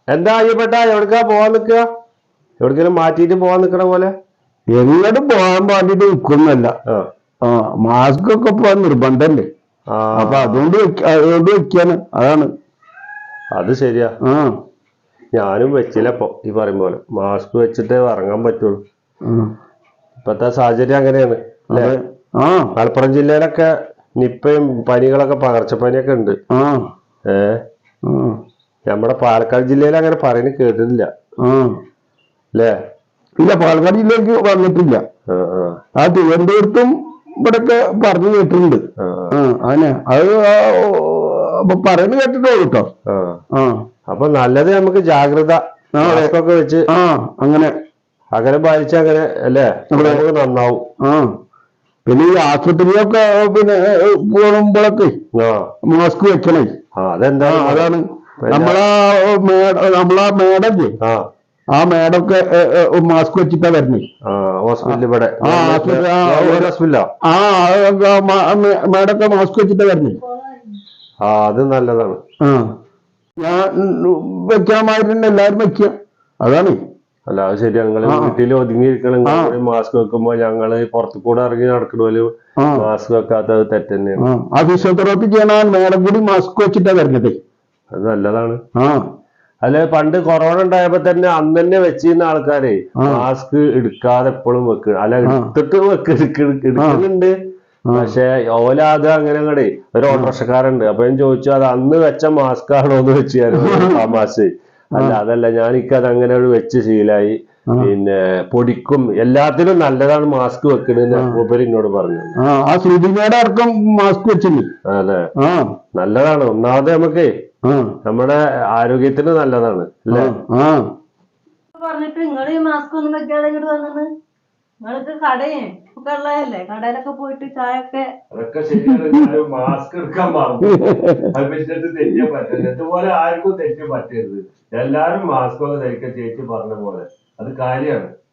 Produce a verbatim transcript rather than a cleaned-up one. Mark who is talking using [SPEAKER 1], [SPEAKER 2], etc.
[SPEAKER 1] എന്താ അയ്യപ്പെട്ട എവിടക്കാ പോവാൻ നിക്കുക? എവിടേക്കെങ്കിലും മാറ്റിയിട്ട് പോവാൻ നിക്കണ പോലെ?
[SPEAKER 2] എങ്ങോട്ടും പോകാൻ വേണ്ടിട്ട് നിൽക്കുന്നല്ല. ആ മാസ്ക് ഒക്കെ പോവാൻ നിർബന്ധല്ലേ. അപ്പൊ അതുകൊണ്ട് അതുകൊണ്ട് വെക്കാണ്. അതാണ്.
[SPEAKER 1] അത് ശരിയാ. ആ ഞാനും വെച്ചില്ല. ഇപ്പൊ ഈ പറയും പോലെ മാസ്ക് വെച്ചിട്ടേ ഇറങ്ങാൻ പറ്റുള്ളൂ. ഇപ്പത്തെ സാഹചര്യം അങ്ങനെയാണ് അല്ലേ? ആ മലപ്പുറം ജില്ലയിലൊക്കെ നിപ്പയും പനികളൊക്കെ പകർച്ചപ്പനിയൊക്കെ ഉണ്ട്. ഏ നമ്മുടെ പാലക്കാട് ജില്ലയിൽ അങ്ങനെ പറയുന്നത് കേട്ടിട്ടില്ല അല്ലേ?
[SPEAKER 2] ഇല്ല, പാലക്കാട് ജില്ലയിലേക്ക് വന്നിട്ടില്ല. ആ തിരുവനന്തപുരത്തും ഇവിടൊക്കെ പറഞ്ഞു കേട്ടിട്ടുണ്ട്. അങ്ങനെ അത് പറയുന്നത് കേട്ടിട്ടുള്ളൂ കേട്ടോ.
[SPEAKER 1] അപ്പൊ നല്ലത് നമുക്ക് ജാഗ്രത ഒക്കെ വെച്ച്
[SPEAKER 2] ആ അങ്ങനെ
[SPEAKER 1] അകലം പാലിച്ച അങ്ങനെ അല്ലേ നമുക്ക് നന്നാവും. ആ
[SPEAKER 2] പിന്നെ ഈ ആശുപത്രിയൊക്കെ പിന്നെ പോകുമ്പോഴൊക്കെ മാസ്ക് വെക്കണേ.
[SPEAKER 1] അതെന്താ?
[SPEAKER 2] അതാണ് നമ്മളാ മേട നമ്മളാ മേടല്ലേ, ആ മേടൊക്കെ മാസ്ക് വെച്ചിട്ടാ വരണേ. ആ മേടൊക്കെ മാസ്ക് വെച്ചിട്ടാ വരണേ.
[SPEAKER 1] ആ അത് നല്ലതാണ്.
[SPEAKER 2] ആ ഞാൻ വെക്കാൻ മാതിരി എല്ലാരും വെക്കുക. അതാണ്.
[SPEAKER 1] അല്ല അത് ശരി. ഞങ്ങള് വീട്ടിൽ ഒതുങ്ങിയിരിക്കണം. മാസ്ക് വെക്കുമ്പോ ഞങ്ങള് പുറത്തു കൂടെ ഇറങ്ങി നടക്കണ മാസ്ക് വെക്കാത്തത് തെറ്റ് തന്നെയാണ്.
[SPEAKER 2] ആ ഫിസിയോതെറാപ്പി ചെയ്യണ മേടം കൂടി മാസ്ക് വെച്ചിട്ടാ വരുന്നത്.
[SPEAKER 1] അത് നല്ലതാണ്. ആ അല്ലെ പണ്ട് കൊറോണ ഉണ്ടായപ്പോ തന്നെ അന്ന് തന്നെ വെച്ചിരുന്ന ആൾക്കാരെ മാസ്ക് എടുക്കാതെ എപ്പോഴും വെക്കുക. അല്ല എടുത്തിട്ട് വെക്ക് എടുക്കുന്നുണ്ട്. പക്ഷെ ഓല അത് അങ്ങനെ അങ്ങടെ ഒരു ഓട്ടോറിക്ഷക്കാരുണ്ട്. അപ്പൊ ഞാൻ ചോദിച്ചു അത് അന്ന് വെച്ച മാസ്ക് ആണോ എന്ന് വെച്ച് തമാശ. അല്ല അതല്ല, ഞാനിക്കത് അങ്ങനെ വെച്ച് ശീലായി. പിന്നെ പൊടിക്കും എല്ലാത്തിനും നല്ലതാണ് മാസ്ക് വെക്കണെന്ന് മൂപ്പര് എന്നോട് പറഞ്ഞു.
[SPEAKER 2] ആ ശ്രുതിമേടെ അടക്കം മാസ്ക് വെച്ചില്ലേ?
[SPEAKER 1] അതെ, നല്ലതാണ്. ഒന്നാമത് നമുക്ക് നമ്മുടെ ആരോഗ്യത്തിന് നല്ലതാണ് അല്ലേ?
[SPEAKER 3] പറഞ്ഞിട്ട് നിങ്ങള് ഈ മാസ്ക് ഒന്നും വെക്കാതെ ഇങ്ങോട്ട് വന്നത് നിങ്ങൾക്ക് കടയേ ഒക്കെ ഉള്ളതല്ലേ? കടയിലൊക്കെ പോയിട്ട് ചായ ഒക്കെ
[SPEAKER 1] അതൊക്കെ ശരിയാണ്. മാസ്ക് എടുക്കാൻ മറന്നു. തെറ്റിയാ പറ്റില്ല. ഇതുപോലെ ആർക്കും തെറ്റ് പറ്റരുത്. എല്ലാരും മാസ്ക് ഒക്കെ ധരിക്കാൻ ചേച്ചി പറഞ്ഞ പോലെ അത് കാര്യമാണ്.